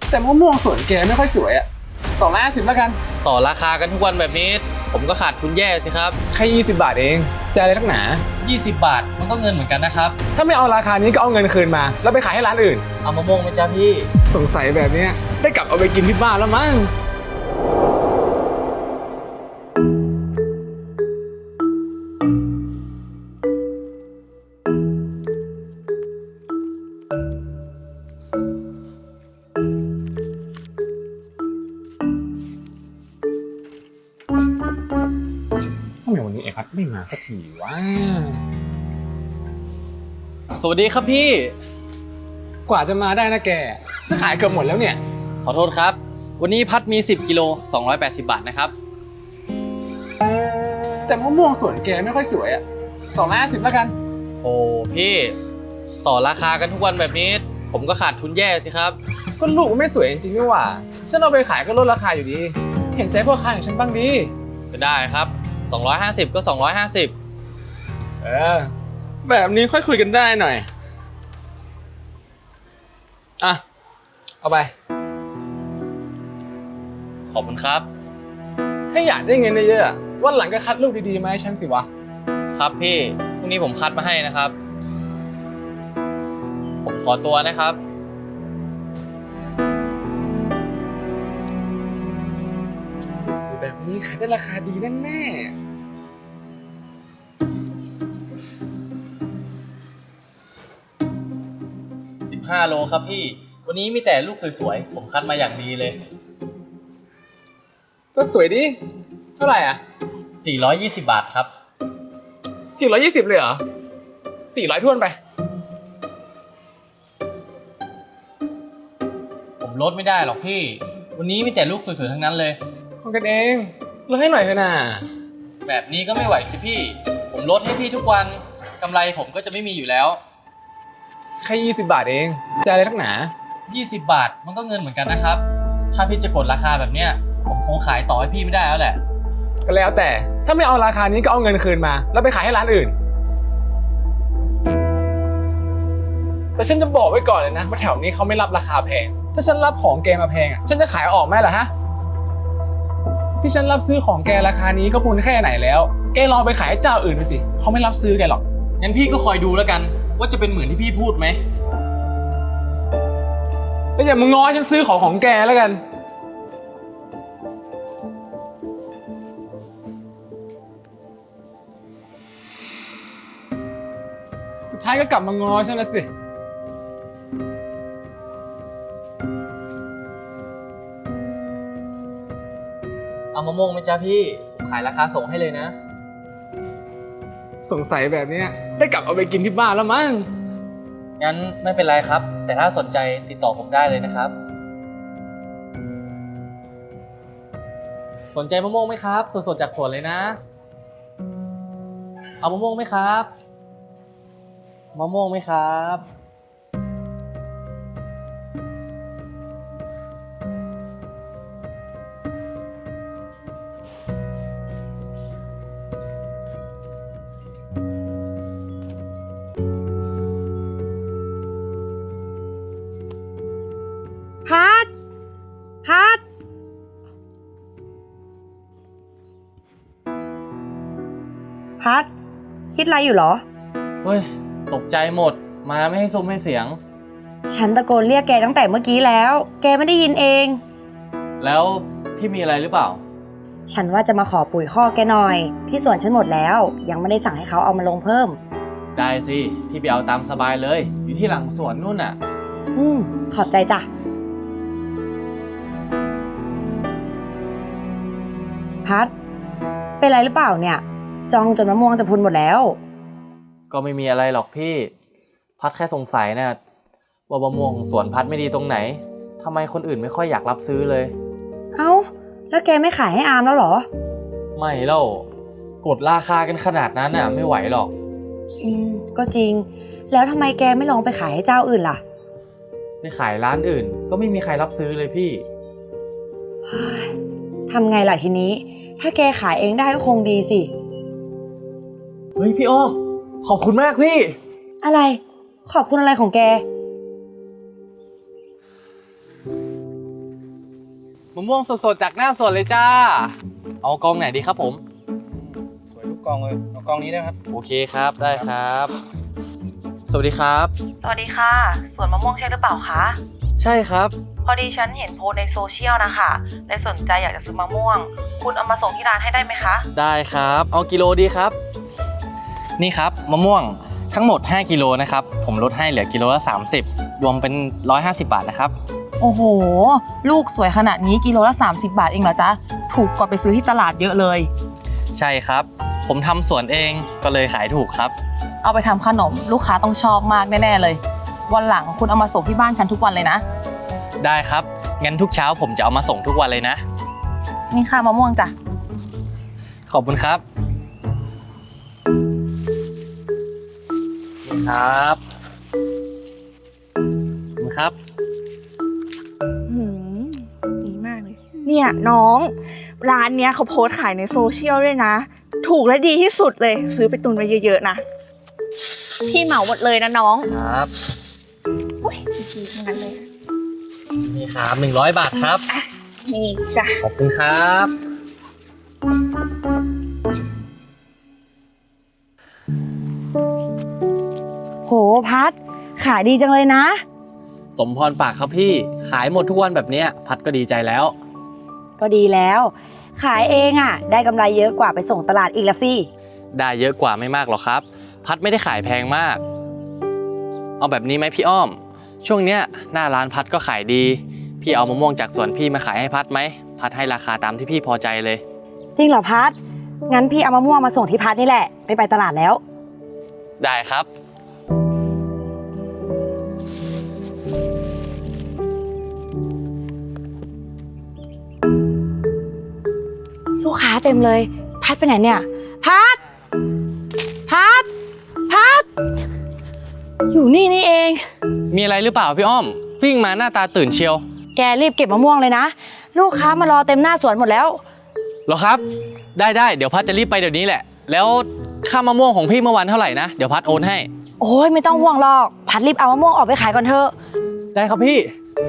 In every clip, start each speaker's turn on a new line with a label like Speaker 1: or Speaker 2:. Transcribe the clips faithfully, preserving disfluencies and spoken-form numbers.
Speaker 1: แต่มะม่วงสวนแกไม่ค่อยสวยอะสองร้อยห้าสิบแล้วกัน
Speaker 2: ต่อราคากันทุกวันแบบนี้ผมก็ขาดทุนแย่สิครับ
Speaker 1: แค่ยี่สิบบาทเองใจอะไรนักหนา
Speaker 2: ยี่สิบบาทมันก็เงินเหมือนกันนะครับ
Speaker 1: ถ้าไม่เอาราคานี้ก็เอาเงินคืนมาแล้วไปขายให้ร้านอื่น
Speaker 2: เอามะม่วงไหมจ๊ะพี่
Speaker 1: สงสัยแบบนี้ได้กลับเอาไปกินที่บ้านแล้วมั้งทำไมวันนี้ไอ้พัดไม่มาสักทีวะ
Speaker 2: สวัสดีครับพี่
Speaker 1: กว่าจะมาได้นะแกจะขายเกือบหมดแล้วเนี่ย
Speaker 2: ขอโทษครับวันนี้พัดมีสิบกิโลสองร้อยแปดสิบบาทนะครับ
Speaker 1: แต่มะม่วงสวนแกไม่ค่อยสวยอะสองร้อยห้าสิบแล้วกัน
Speaker 2: โอ้พี่ต่อราคากันทุกวันแบบนี้ผมก็ขาดทุนแย่สิครับ
Speaker 1: ก็ลูกไม่สวยจริงๆนี่หว่าฉันเอาไปขายก็ลดราคาอยู่ดีเห็นใจพ่อค้าอย่างฉันบ้างดี
Speaker 2: ก็ได้ครับสองร้อยห้าสิบก็สองร้อยห้าสิบ
Speaker 1: เออแบบนี้ค่อยคุยกันได้หน่อยอ่ะเอาไป
Speaker 2: ขอบคุณครับ
Speaker 1: ถ้าอยากได้เงินเยอะๆวันหลังก็คัดลูกดีๆมาให้ฉันสิวะ
Speaker 2: ครับพี่พรุ่งนี้ผมคัดมาให้นะครับผมขอตัวนะครับ
Speaker 1: ลูกสวยแบบนี้ขายได้ราคาดีแน่ๆ
Speaker 2: สิบห้าโลครับพี่วันนี้มีแต่ลูกสวยๆผมคัดมาอย่างดีเลย
Speaker 1: ก็สวยดิเท่าไหร่อ่ะ
Speaker 2: สี่ร้อยยี่สิบบาทครับ
Speaker 1: สี่ร้อยยี่สิบเลยเหรอสี่ร้อยท้วนไป
Speaker 2: ผมลดไม่ได้หรอกพี่วันนี้มีแต่ลูกสวยๆทั้งนั้นเลย
Speaker 1: ของกันเองลดให้หน่อยเถอะนะ
Speaker 2: แบบนี้ก็ไม่ไหวสิพี่ผมลดให้พี่ทุกวันกำไรผมก็จะไม่มีอยู่แล้ว
Speaker 1: แค่ยี่สิบบาทเองใจอะไรนักหนา
Speaker 2: ยี่สิบบาทมันก็เงินเหมือนกันนะครับถ้าพี่จะกดราคาแบบเนี้ยผมคงขายต่อให้พี่ไม่ได้แล้วแหละ
Speaker 1: ก็แล้วแต่ถ้าไม่เอาราคานี้ก็เอาเงินคืนมาแล้วไปขายให้ร้านอื่นแต่ฉันจะบอกไว้ก่อนเลยนะว่าแถวนี้เขาไม่รับราคาแพงถ้าฉันรับของแกมาแพงอ่ะฉันจะขายออกไหมล่ะฮะที่ฉันรับซื้อของแกราคานี้ก็บุญแค่ไหนแล้วแกลองไปขายให้เจ้าอื่นดูสิเขาไม่รับซื้อแกหรอก
Speaker 2: งั้นพี่ก็คอยดูแล้วกันว่าจะเป็นเหมือนที่พี่พูดไหม
Speaker 1: แล้วอย่ามาง้อฉันซื้อของของแกแล้วกันสุดท้ายก็กลับมาง้อฉันละสิ
Speaker 2: เอามะม่วงไหมจ๊ะพี่ผมขายราคาส่งให้เลยนะ
Speaker 1: สงสัยแบบนี้ได้กลับเอาไปกินที่บ้านแล้วมั้ง
Speaker 2: งั้นไม่เป็นไรครับแต่ถ้าสนใจติดต่อผมได้เลยนะครับสนใจมะม่วงไหมครับสดๆจากสวนเลยนะเอามะม่วงไหมครับมะม่วงไหมครับ
Speaker 3: พัดพัดพัดคิดอะไรอยู่เหรอ
Speaker 2: เฮ้ยตกใจหมดมาไม่ให้ซุ้มให้เสียง
Speaker 3: ฉันตะโกนเรียกแกตั้งแต่เมื่อกี้แล้วแกไม่ได้ยินเอง
Speaker 2: แล้วพี่มีอะไรหรือเปล่า
Speaker 3: ฉันว่าจะมาขอปุ๋ยคอกแกหน่อยที่สวนฉันหมดแล้วยังไม่ได้สั่งให้เขาเอามาลงเพิ่ม
Speaker 2: ได้สิพี่ไปเอาตามสบายเลยอยู่ที่หลังสวนนู่นน่ะ
Speaker 3: อืมขอบใจจ้ะพัดเป็นไรหรือเปล่าเนี่ยจองจนมะม่วงจะพุนหมดแล้ว
Speaker 2: ก็ไม่มีอะไรหรอกพี่พัดแค่สงสัยนะว่ามะม่วงสวนพัดไม่ดีตรงไหนทำไมคนอื่นไม่ค่อยอยากรับซื้อเลย
Speaker 3: เอ้าแล้วแกไม่ขายให้อามแล้วเหรอ
Speaker 2: ไม่แล้วกดราคากันขนาดนั้นน่ะไม่ไหวหรอก
Speaker 3: อืมก็จริงแล้วทำไมแกไม่ลองไปขายให้เจ้าอื่นล่ะ
Speaker 2: ไปขายร้านอื่นก็ไม่มีใครรับซื้อเลยพี่
Speaker 3: ทำไงล่ะทีนี้ถ้าแกขายเองได้ก็คงดีสิ
Speaker 2: เฮ้ยพี่อ้อมขอบคุณมากพี่
Speaker 3: อะไรขอบคุณอะไรของแก
Speaker 2: มะม่วงสดๆจากหน้าสวนเลยจ้า เอากองไหนดีครับผม
Speaker 4: สวยทุกกองเลยเอากองนี้ได้ครับ
Speaker 2: โอเคครับได้ครับ สวัสดีครับ
Speaker 5: สวัสดีค่ะสวนมะม่วงใช่หรือเปล่าคะ
Speaker 2: ใช่ครับ
Speaker 5: พอดีฉันเห็นโพสต์ในโซเชียลนะคะเลยสนใจอยากจะซื้อมะม่วง คุณเอามาส่งที่ร้านให้ได้ไหมคะ
Speaker 2: ได้ครับ เอากิโลดีครับ นี่ครับมะม่วงทั้งหมดห้ากิโลนะครับผมลดให้เหลือกิโลละสามสิบรวมเป็นหนึ่งร้อยห้าสิบบาทนะครับ
Speaker 5: โอ้โห ลูกสวยขนาดนี้กิโลละสามสิบบาทเองเหรอจ๊ะถูกกว่าไปซื้อที่ตลาดเยอะเลย
Speaker 2: ใช่ครับ ผมทำสวนเองก็เลยขายถูกครับ
Speaker 5: เอาไปทำขนมลูกค้าต้องชอบมากแน่ๆเลย วันหลังคุณเอามาส่งที่บ้านฉันทุกวันเลยนะ
Speaker 2: ได้ครับงั้นทุกเช้าผมจะเอามาส่งทุกวันเลยนะ
Speaker 5: นี่ค่ะมะม่วงจ้ะ
Speaker 2: ขอบคุณครับนี่ครับขอบคุณครับ
Speaker 6: หืมดีมากเลย เนี่ยน้องร้านเนี้ยเขาโพสต์ขายในโซเชียลด้วยนะ ถูกและดีที่สุดเลย ซื้อไปตุนไว้เยอะๆนะ พี่เหมาหมดเลยนะน้อง
Speaker 2: ครับ
Speaker 6: อุ้ยดีๆทั้งนั้นเลย
Speaker 2: นี่ครับหนึ่งร้อยบาทครับ
Speaker 6: นี่จ้ะ
Speaker 2: ขอบคุณครับ
Speaker 3: โหพัดขายดีจังเลยนะ
Speaker 2: สมพรปากครับพี่ขายหมดทุกวันแบบเนี้ยพัดก็ดีใจแล้ว
Speaker 3: ก็ดีแล้ว ขายเองอ่ะ ได้กำไรเยอะกว่าไปส่งตลาดอีกละสิ
Speaker 2: ได้เยอะกว่าไม่มากหรอกครับ พัดไม่ได้ขายแพงมาก เอาแบบนี้ไหมพี่อ้อม ช่วงเนี้ยหน้าร้านพัดก็ขายดี พี่เอามะม่วงจากสวนพี่มาขายให้พัดไหมพัดให้ราคาตามที่พี่พอใจเลย
Speaker 3: จริงเหรอพัดงั้นพี่เอามะม่วงมาส่งที่พัดนี่แหละไม่ไปตลาดแล้ว
Speaker 2: ได้ครับ
Speaker 3: ลูกค้าเต็มเลย พัดไปไหนเนี่ย พัด พัด พัด อยู่นี่นี่เอง
Speaker 2: มีอะไรหรือเปล่าพี่อ้อม วิ่งมาหน้าตาตื่นเชียว
Speaker 3: แกรีบเก็บมะม่วงเลยนะ ลูกค้ามารอเต็มหน้าสวนหมดแล้ว
Speaker 2: เหรอครับ ได้ได้เดี๋ยวพัดจะรีบไปเดี๋ยวนี้แหละ แล้วค่ามะม่วงของพี่เมื่อวานเท่าไหร่นะ เดี๋ยวพัดโอนให้
Speaker 3: โอ้ยไม่ต้องห่วงหรอก พัดรีบเอามะม่วงออกไปขายก่อนเถอะ
Speaker 2: ได้ครับพี่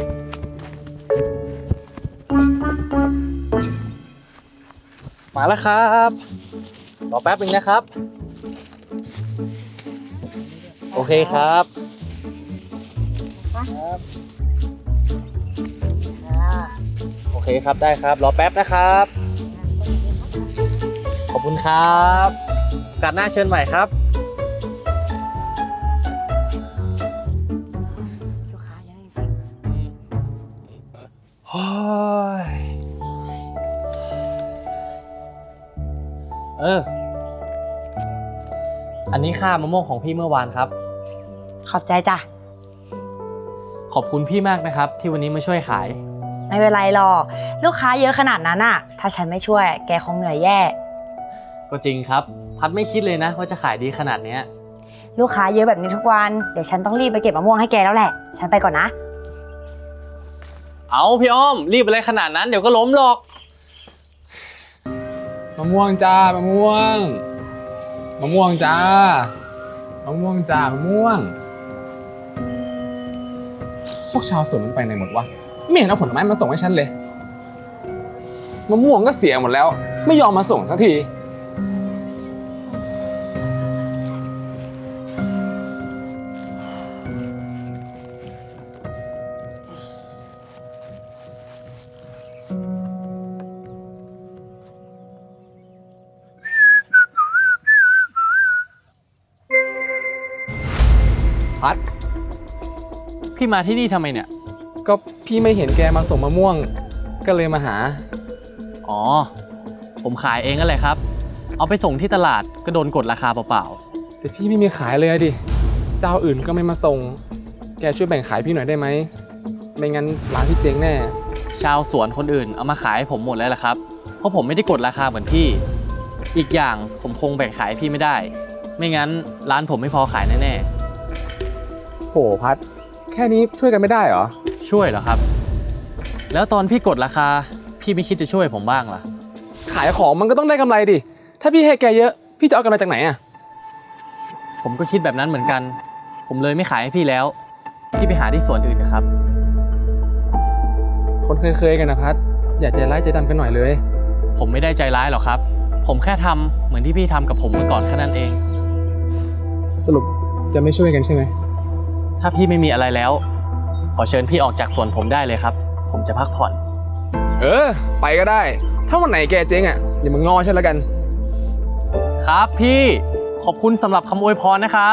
Speaker 2: มาแล้วครับรอแป๊บนึงนะครับ โอเคครับ โอเคครับได้ครับ รอแป๊บนะครับ ขอบคุณครับโอกาสหน้าเชิญใหม่ครับ
Speaker 3: ลูกค้าเยอะจริง
Speaker 2: โอ้ยเออ อันนี้ค่ามะม่วงของพี่เมื่อวานครับ
Speaker 3: ขอบใจจ้ะ
Speaker 2: ขอบคุณพี่มากนะครับ ที่วันนี้มาช่วยขาย
Speaker 3: ไม่เป็นไรหรอก ลูกค้าเยอะขนาดนั้นอ่ะ ถ้าฉันไม่ช่วย แกคงเหนื่อยแย่
Speaker 2: ก็จริงครับ พัดไม่คิดเลยนะว่าจะขายดีขนาดเนี้ย
Speaker 3: ลูกค้าเยอะแบบนี้ทุกวัน เดี๋ยวฉันต้องรีบไปเก็บมะม่วงให้แกแล้วแหละ ฉันไปก่อนนะ
Speaker 2: เอาพี่อ้อม รีบอะไรขนาดนั้นเดี๋ยวก็ล้มหรอก
Speaker 1: มะม่วงจ้ามะม่วง มะม่วงจ้ามะม่วงจ้ามะม่วง พวกชาวสวนมันไปไหนหมดวะไม่เห็นเอาผลไม้มาส่งให้ฉันเลย มะม่วงก็เสียหมดแล้ว ไม่ยอมมาส่งสักที พัด
Speaker 2: พี่มาที่นี่ทำไมเนี่ย
Speaker 1: ก็พี่ไม่เห็นแกมาส่งมะม่วง ก็เลยมาหา
Speaker 2: อ๋อ ผมขายเองก็เลยครับ เอาไปส่งที่ตลาดก็โดนกดราคาเปล่า
Speaker 1: แต่พี่ไม่มีขายเลยอะดิ เจ้าอื่นก็ไม่มาส่ง แกช่วยแบ่งขายพี่หน่อยได้ไหม ไม่งั้นร้านพี่เจ๊งแน่
Speaker 2: ๆ ชาวสวนคนอื่นเอามาขายให้ผมหมดแล้วล่ะครับ เพราะผมไม่ได้กดราคาเหมือนพี่ อีกอย่างผมคงแบ่งขายพี่ไม่ได้ ไม่งั้นร้านผมไม่พอขายแน่
Speaker 1: โหพัด แค่นี้ช่วยกันไม่ได้เหรอ
Speaker 2: ๆ ช่วยเหรอครับ แล้วตอนพี่กดราคาพี่ไม่คิดจะช่วยผมบ้างล่ะ
Speaker 1: ขายของมันก็ต้องได้กำไรดิ ถ้าพี่ให้แกเยอะ พี่จะเอากำไรจากไหนอะ
Speaker 2: ผมก็คิดแบบนั้นเหมือนกัน ผมเลยไม่ขายให้พี่แล้ว พี่ไปหาที่สวนอื่นนะครับ
Speaker 1: คนเคยๆกันนะพัดอย่าใจร้ายใจดำกันหน่อยเลย
Speaker 2: ผมไม่ได้ใจร้ายหรอกครับ ผมแค่ทำเหมือนที่พี่ทำกับผมเมื่อก่อนแค่นั้นเอง
Speaker 1: สรุปจะไม่ช่วยกันใช่ไหม
Speaker 2: ถ้าพี่ไม่มีอะไรแล้ว ขอเชิญพี่ออกจากสวนผมได้เลยครับ ผมจะพักผ่อน
Speaker 1: เออ ไปก็ได้ ถ้าวันไหนแกเจ๊งอ่ะอย่ามางอฉันแล้วกัน
Speaker 2: ครับพี่ขอบคุณสำหรับคำอวยพรนะครับ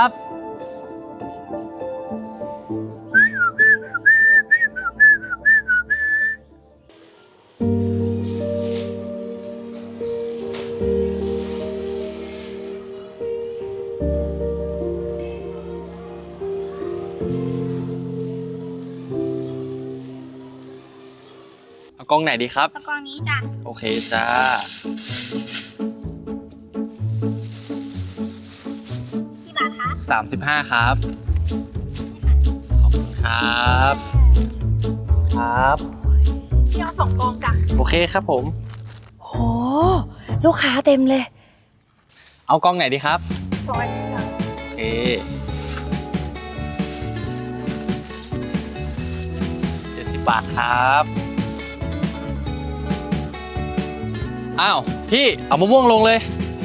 Speaker 2: เอากล้องไหนดีครับ
Speaker 6: กองนี้จ้ะ
Speaker 2: โอเคจ้า
Speaker 6: กี่บาทคะ
Speaker 2: สามสิบห้าครับ ขอบคุณครับ ครับ
Speaker 6: พี่เอาสองกองจ้ะ
Speaker 2: โอเคครับผม
Speaker 3: โห ลูกค้าเต็มเลย
Speaker 2: เอากล้องไหนดีครับ
Speaker 6: ร้อยจ้ะ
Speaker 2: โอเค เจ็ดสิบบาทครับ อ้าว พี่ เอามะม่วงลงเลย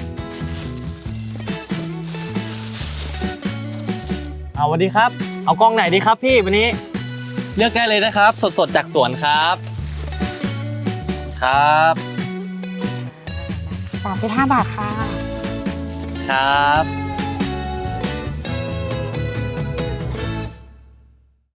Speaker 2: เอาสวัสดีครับ เอากล้องไหนดีครับพี่วันนี้ เลือกได้เลยนะครับ สดๆจากสวนครับ ครับ
Speaker 6: สามสิบห้าบาทค่ะ
Speaker 2: ครับ